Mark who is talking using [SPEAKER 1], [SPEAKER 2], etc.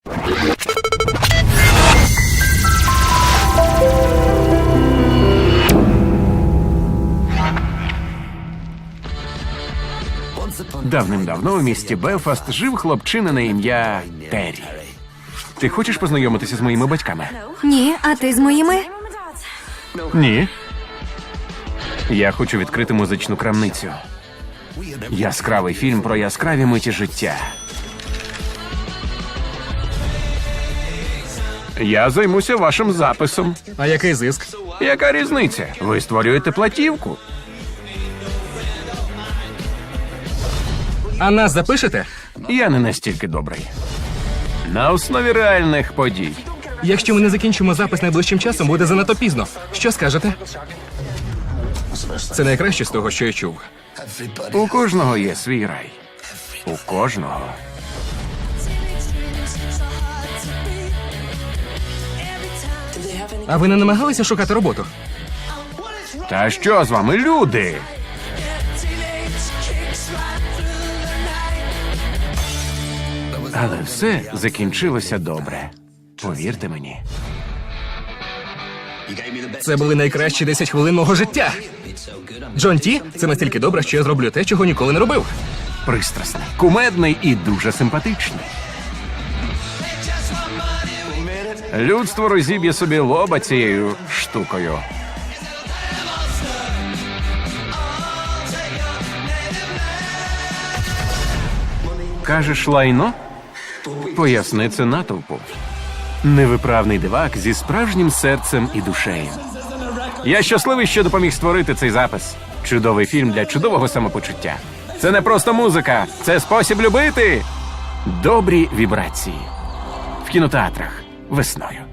[SPEAKER 1] Давним-давно у місті Белфаст жив хлопчина на ім'я Террі. Ти хочеш познайомитися з моїми батьками?
[SPEAKER 2] Ні, а ти з моїми?
[SPEAKER 1] Ні. Я хочу відкрити музичну крамницю. Яскравий фільм про яскраві миті життя. Я займуся вашим записом.
[SPEAKER 3] А який зиск?
[SPEAKER 1] Яка різниця? Ви створюєте платівку.
[SPEAKER 3] А нас запишете?
[SPEAKER 1] Я не настільки добрий. На основі реальних подій.
[SPEAKER 3] Якщо ми не закінчимо запис найближчим часом, буде занадто пізно. Що скажете? Це найкраще з того, що я чув.
[SPEAKER 1] У кожного є свій рай. У кожного.
[SPEAKER 3] А ви не намагалися шукати роботу?
[SPEAKER 1] Та що з вами, люди? Але все закінчилося добре. Повірте мені.
[SPEAKER 3] Це були найкращі 10 хвилин мого життя. Джон Ті, це настільки добре, що я зроблю те, чого ніколи не робив.
[SPEAKER 1] Пристрасний, кумедний і дуже симпатичний. Людство розіб'є собі лоба цією штукою. Кажеш, лайно? Поясни це натовпу. Невиправний дивак зі справжнім серцем і душею. Я щасливий, що допоміг створити цей запис. Чудовий фільм для чудового самопочуття. Це не просто музика, це спосіб любити. Добрі вібрації. В кінотеатрах весною.